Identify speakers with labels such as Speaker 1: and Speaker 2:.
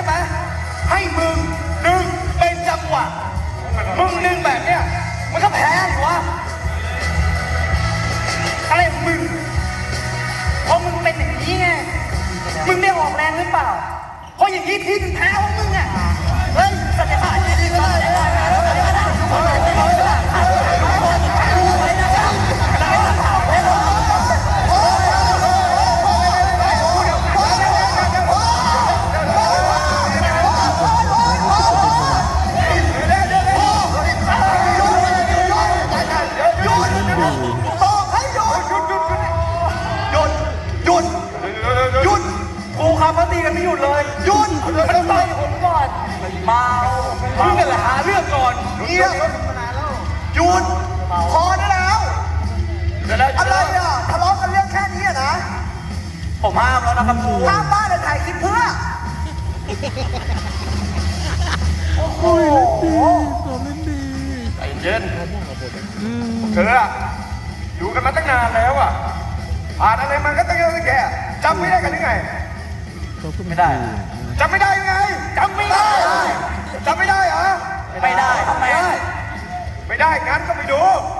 Speaker 1: ไหมให้มึงดึงเป็นจังหวะมึงดึงแบบเนี้ยมันก็แพ้ดิวะอะไรของมึงเพราะมึงเป็นอย่างนี้ไงมึงได้ออกแรงหรือเปล่าเพราะอย่างนี้ทีมแพ้ของมึงอ่ะเฮ้ยสัญญาดีๆก็ได้ไม่หยุดเลยหยุดมันต่อยผมก่อนเมามึงกันแหละหาเรื่องก่อนเงียบหยุดพอได้แล้วอะไรอ่ะทะเลาะกันเรื่องแค่นี้นะผมห้ามแล้วนะครับครูห้ามบ้านเลยถ่ายคลิปเพื่อโอ้โห
Speaker 2: เล่นดี
Speaker 1: ใจเย็นเธออะอยู่กันมาตั้งนานแล้วอ่ะผ่านอะไรมันก็ตั้งเยอะตั้งแก่จำไม่ได้กันหรือไงไม่ได้จำไม่ได้ยังไงจำไม่ได้จำไม่ได้เหรอไม่ได้ทำไมไม่ได้งั้นก็ไปดู